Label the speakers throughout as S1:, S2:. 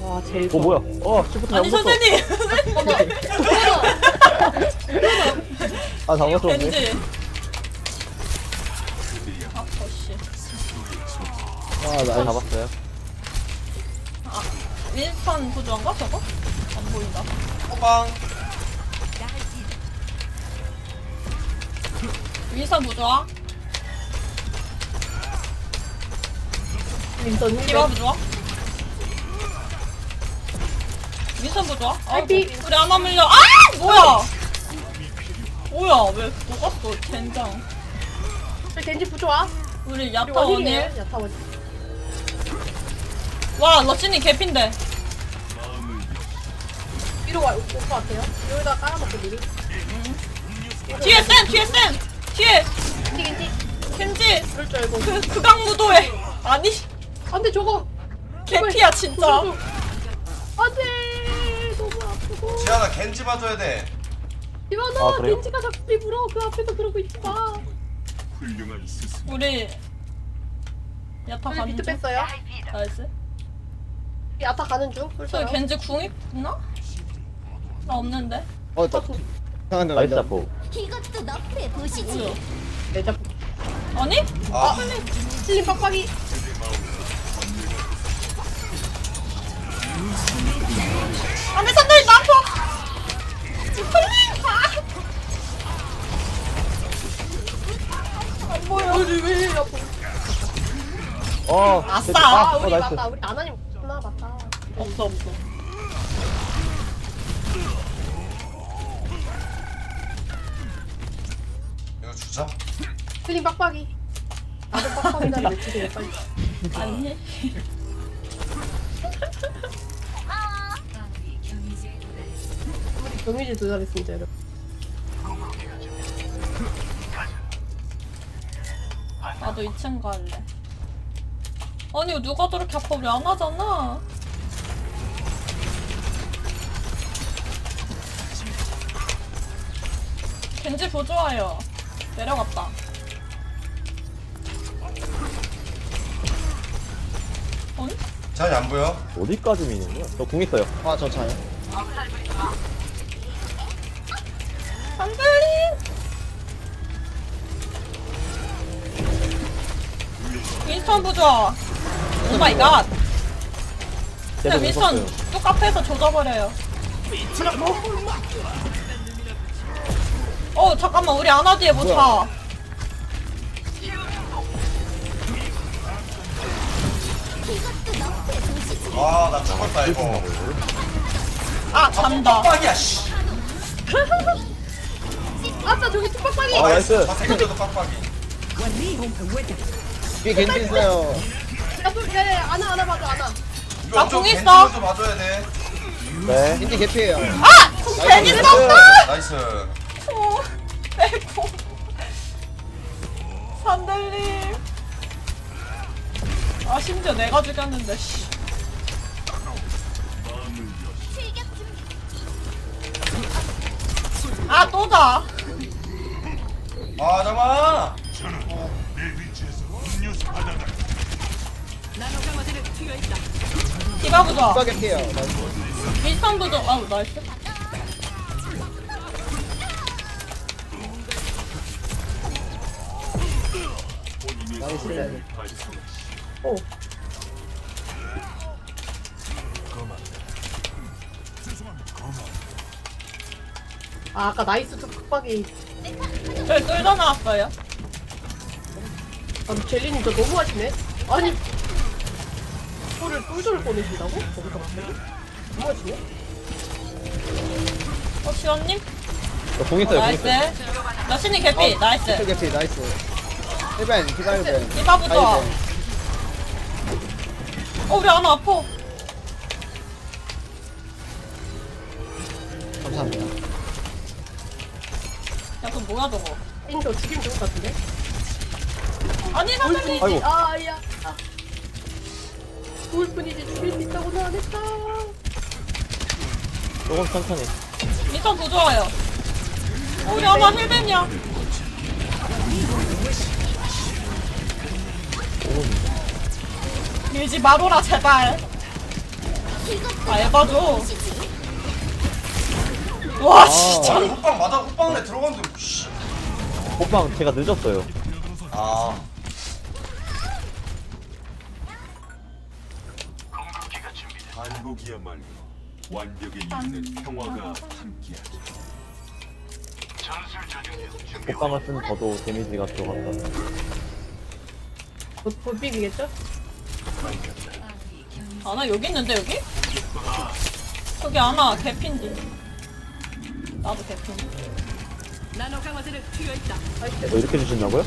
S1: 와 제일
S2: 어 뭐야? 시프트
S3: 아니
S2: 잘못 썼어.
S3: 선생님.
S2: 아 잘못 썼네.
S3: 겐지. 아 더씨.
S2: 나 잡았어요.
S3: 윈스턴 구조한가 저거? 안 보인다.
S4: 호빵.
S3: 윈스턴 구조아.
S1: 윈선
S3: 디바
S1: 힐
S3: 구조아. 윈스턴 구조아.
S1: 딸피.
S3: 우리 하나 물려. 아 뭐야? 뭐야 왜 녹았어 젠장.
S1: 저 겐지 부좋아
S3: 우리 야타
S1: 그리고 원힐이에요
S3: 원일.
S1: 야타 원힐
S3: 와 러시님 개핀데.
S1: 위로 올것 같아요 여기다 깔아놓고 미리
S3: 뒤에 센 뒤에 센 뒤에
S1: 겐지
S3: 켄지
S1: 그럴 줄 알고
S3: 그 극악무도회. 아니
S1: 안돼 저거
S3: 개피야 진짜.
S1: 안돼 너무 아프고
S4: 지아나 겐지 봐줘야 돼.
S1: 이만아
S2: 그래요?
S1: 겐지가 자꾸 우리 물어 그 앞에서 그러고 있지마
S3: 우리 야타
S1: 우리
S3: 가는
S1: 비트
S3: 중.
S1: 뺐어요
S3: 나이스.
S1: 야타 가는 중
S3: 저기
S1: 꿀사요
S3: 겐지 궁 있나? 나 없는데.
S2: 나이스 잡고.
S5: 이것도 너프에 보시지.
S3: 뭐야?
S1: 내자
S3: 아니?
S4: 아,
S1: 슬림 빡빡이
S3: 안돼 선생님 나 아파. 안 보여.
S1: 왜 이래 아파
S3: 아싸.
S1: 아 우리
S2: 나이스.
S1: 맞다 우리 아나님 없구나 맞다
S3: 없어 없어.
S4: 이거 주자.
S1: 슬림 빡빡이 나도 빡빡이다 외치세요 빨리
S3: 아니.
S1: 우리 경유지 도달했습니다 여러분
S3: 나도 2층 갈래. 아니 누가 저렇게 아파 우리 안 하잖아. 겐지 보조아요. 내려갔다. 아니?
S4: 잘 안 보여?
S2: 어디까지 미는 거야? 저 궁 있어요. 저 차요.
S3: 안들리. 윈스턴 보조. 오 마이 갓. 그냥 윈스턴 뚝 앞에서 조져버려요. 잠깐만 우리 아나 뒤에 뭐 차.
S4: 아, 나 죽었다 이거.
S3: 아 잔다.
S4: 빡빡이야 씨.
S1: 아싸 저기 뚝빡빡이
S2: 나이스.
S4: 다 생겨도 빡빡이.
S2: 뒤에 겐지 있어요.
S1: 야야야 아나 봐줘 아나
S4: 이거
S3: 나
S4: 좀
S3: 궁
S4: 겐지
S3: 있어.
S4: 먼저 봐줘야 돼.
S2: 네. 겐지 개피예요.
S3: 아! 괜히 썼다!
S4: 나이스.
S3: 빼고. 산들님. 아 심지어 내가 죽였는데 씨. 아 또다.
S4: 아, 잠깐만.
S3: 디바 부조.
S2: 개피예요.
S3: 윈스턴 부조. 아우 나이스.
S2: 나이스.
S1: 오 아까 나이스 뚝빡이
S3: 저기 끌려 나왔어요.
S1: 젤리님 저 너무 하시네 아니 이거를 꿀조를 보내신다고? 거기서 갑자기? 너무 하시네
S3: 시원님?
S2: 저궁 있어요. 궁
S3: 나이스.
S2: 있어요.
S3: 러시님 개피. 나이스.
S2: 개피 나이스. 1벤 디바 1벤.
S3: 디바 부조. 우리 아나 아파.
S2: 감사합니다.
S3: 야 그거 뭐야 저거.
S1: 저 죽이면 좋을 것 같은데?
S3: 아니 산들님.
S2: 아이고.
S1: 아야 좋을 뿐이지 죽일 수 있다고는 안 했다
S2: 조금 천천히.
S3: 윈스턴 부조아요. 우리 아나 힐벤이야. 밀지 마로라 제발. 아 에바죠. 와 진짜.
S4: 아니 호빵 맞아 호빵 내 들어갔는데 씨.
S2: 호빵 제가 늦었어요.
S4: 아
S6: 한국이야말로 완벽에 이르는 평화가 함께하자.
S2: 호빵을 쓰면 저도 데미지가 들어간다.
S1: 곧 비비겠죠?
S3: 아나 여기 있는데 여기? 여기 아나 개핀디. 나도 개핀디.
S2: 이렇게 주신다고요?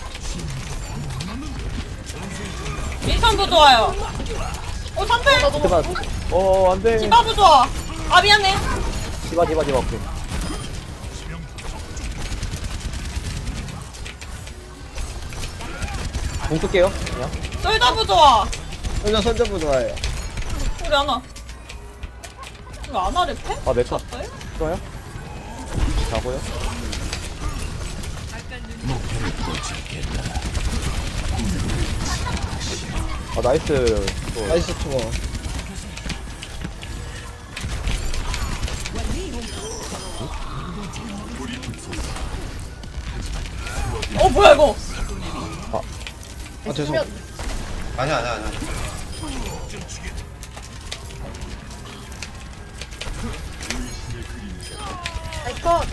S3: 민선부 좋아요. 오 선배.
S2: 제발. 안돼.
S3: 디바부 좋아. 아 미안해.
S2: 디바 오케이. 공 쓸게요. 그냥.
S3: 솔더부 좋아.
S2: 선전부 좋아해요.
S3: 우리 아나. 이거 아나를 패?
S2: 아 메카
S3: 졌어요?
S2: 좋아요? 자고요. 아 나이스. 나이스 투어.
S3: 뭐야 이거?
S2: 죄송.
S4: 아니야
S1: 아이컷.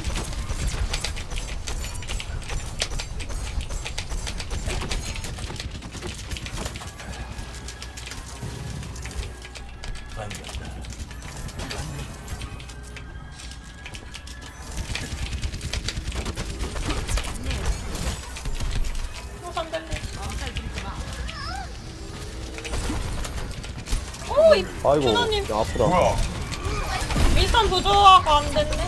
S3: 오,
S2: 아이고.
S3: 준호님
S2: 야, 아프다.
S4: 뭐야
S3: 윈스턴 부조화가 안 됐네.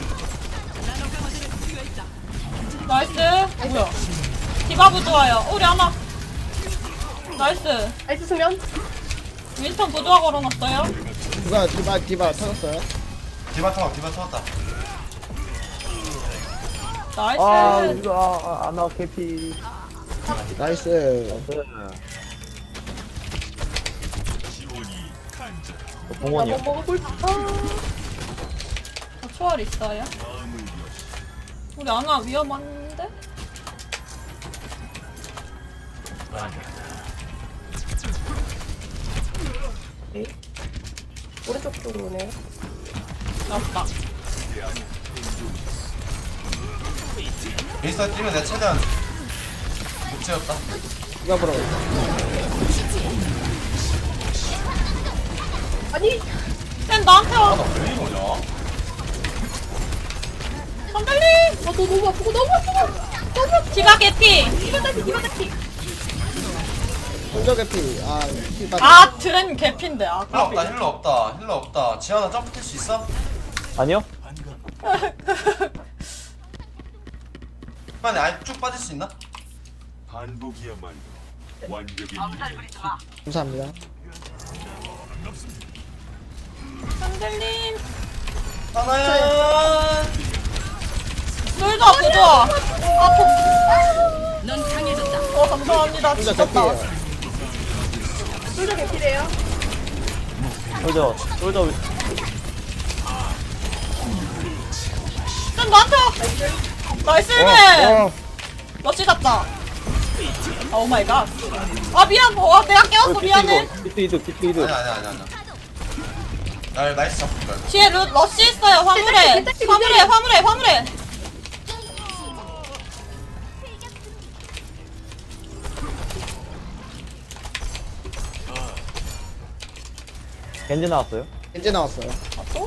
S3: 나이스. 뭐야? 디바 부조화요. 우리 아나. 나이스.
S1: 나이스 수면.
S3: 윈스턴 부조화 걸어놨어요.
S2: 디바 터졌어요.
S4: 디바 터졌다
S3: 나이스.
S2: 이거 아나 캐피. 나이스. 공원이요.
S1: 나뭐 먹을
S3: 저 초월 있어요? 우리 아나 위험한데?
S1: 오른쪽 쪽으로 오네요.
S3: 나왔다.
S4: 미스터 뛰면 내 최대한 못 채웠다
S2: 디바 보러.
S1: 아니
S3: 쌤 나한테 와.
S4: 왜 이러냐
S3: 선배님.
S1: 너 너무 아프고 너무 아프고.
S3: 디바 개피.
S1: 디바 다시.
S2: 혼자 캐피. 디바.
S3: 아 드렌 개피인데. 아
S4: 힐러 없다 지현아 점프 뛸 수 있어?
S2: 아니요?
S4: 빨리 아예 쭉 빠질 수 있나?
S6: 한국이야말로 완벽에 이르는
S2: 감사합니다.
S3: 선배님.
S4: 하나야
S3: 놀자 부조화. 넌 강해졌다. 감사합니다.
S2: 혼자
S3: 죽었다.
S2: 캐피예요.
S1: 솔저 개피래요.
S2: 솔저.
S3: 쌤 나한테 와. 나이스 힐맨. 러시 잡다. 오 마이 갓. 아 미안. 내가 깨웠어. 미안해.
S2: 비트 이드.
S4: 아니야 날 나이스 잡을 거야
S3: 뒤에 러시 있어요. 화물에. 화물에.
S2: 겐지 나왔어요? 겐지 나왔어요.
S3: 아 또?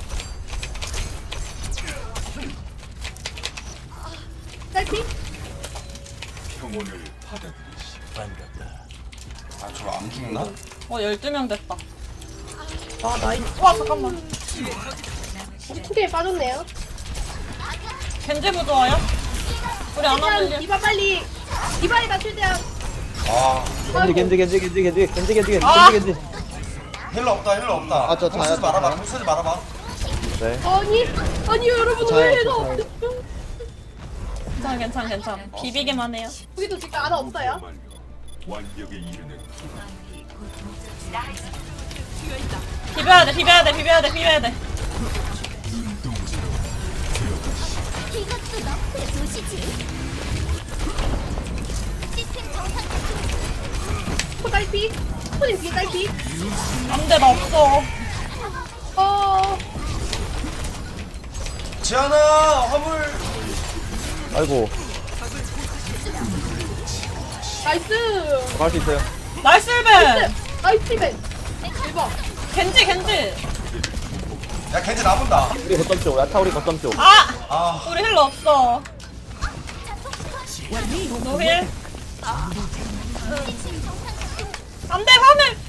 S1: 딸피?
S6: 평온을 받아들이시 반갑다.
S4: 아 저거 안 죽나?
S3: 12명 됐다.
S1: 아 나이스.
S3: 와 잠깐만.
S1: 우리 투개에 빠졌네요.
S3: 겐지 부조화요? 우리 안 하면
S1: 디바 빨리. 디바에다 최대한.
S4: 아
S2: 겐지.
S3: 아!
S4: 힐러 없다
S2: 아, 저
S4: 공 쓰지
S2: 자요,
S4: 공 쓰지 말아봐
S2: 네.
S1: 아니 여러분
S2: 자요,
S1: 왜
S2: 저
S1: 너
S2: 자요.
S3: 괜찮아. 비비기만 해요.
S1: 여기도 지금 하나 없어요.
S6: 완벽에 이르는
S3: 비벼야 돼, 비벼야 돼, 비벼야 돼, 비벼야 돼.
S5: 이것도 너프의 도시지. 시스템 정상
S1: 코 딸피. 코님 뒤에 딸피.
S3: 안 돼, 나 없어.
S4: 지안아 화물.
S2: 아이고
S1: 나이스.
S2: 갈 수 있어요.
S3: 나이스 1벤!
S1: 나이스 벤. 대박.
S3: 겐지, 겐지.
S4: 야 겐지 나본다.
S2: 우리 거점 쪽. 야타 우리 거점 쪽.
S3: 아!
S4: 아
S3: 우리 힐러 없어. 노힐. 안 돼, 화물!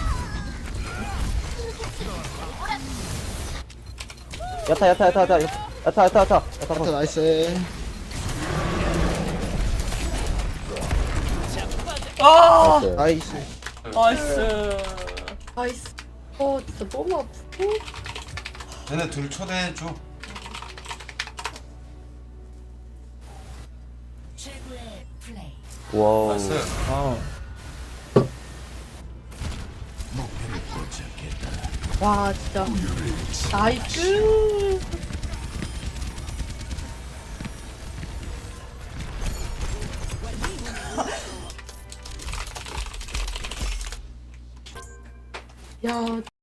S2: 야타 나이스.
S3: 와,
S2: 나이스.
S3: 나이스.
S1: 나이스. 진짜 너무 아프고.
S4: 쟤네 둘 초대해줘.
S5: 최고의 플레이.
S2: 와우.
S4: 나이스.
S1: 와 진짜. 나이스. 야.